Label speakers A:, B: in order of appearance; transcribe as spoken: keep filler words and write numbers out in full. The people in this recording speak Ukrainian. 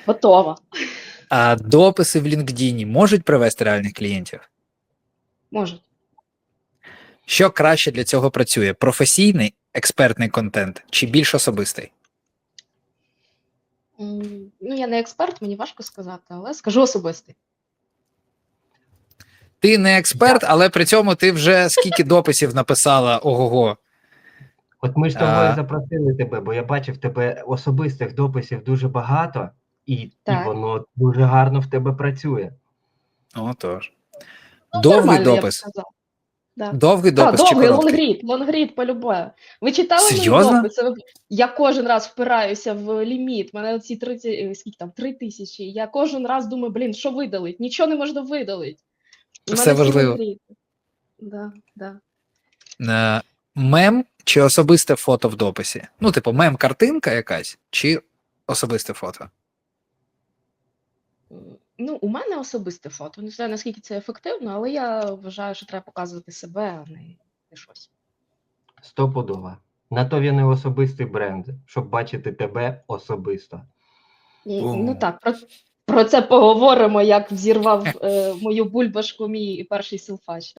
A: Готова.
B: А дописи в LinkedIn можуть привести реальних клієнтів?
A: Можуть.
B: Що краще для цього працює? Професійний, експертний контент чи більш особистий?
A: М, Ну, я не експерт, мені важко сказати, але скажу особистий.
B: Ти не експерт, але при цьому ти вже скільки дописів написала, ого-го.
C: От ми ж того і
B: А.
C: запросили тебе, бо я бачив тебе особистих дописів дуже багато, і, і
A: Так.
C: воно дуже гарно в тебе працює.
B: Отож.
A: Ну,
B: Довгий
A: нормально, я б
B: допис.
A: сказала. Да.
B: Довгий
A: Так,
B: допис чи
A: довгий,
B: короткий?
A: лонгрід, лонгрід по-любе. Ви читали мої
B: Серйозно?
A: дописи? Ви- Я кожен раз впираюся в ліміт. У мене ці тридцять, е, скільки там, три тисячі. Я кожен раз думаю, блін, що видалить? Нічого не можна видалити. У
B: Все
A: мене всі
B: важливо.
A: лонгріди. Да, да.
B: Е, Мем чи особисте фото в дописі? Ну, типу, мем-картинка якась, чи особисте фото?
A: М, Ну, у мене особисте фото. Не знаю, наскільки це ефективно, але я вважаю, що треба показувати себе, а не, не щось.
C: Стопудово. На то він і особистий бренд, щоб бачити тебе особисто.
A: І,
B: О.
A: ну так, про, про це поговоримо, як взірвав е, мою бульбашку мій перший силфач.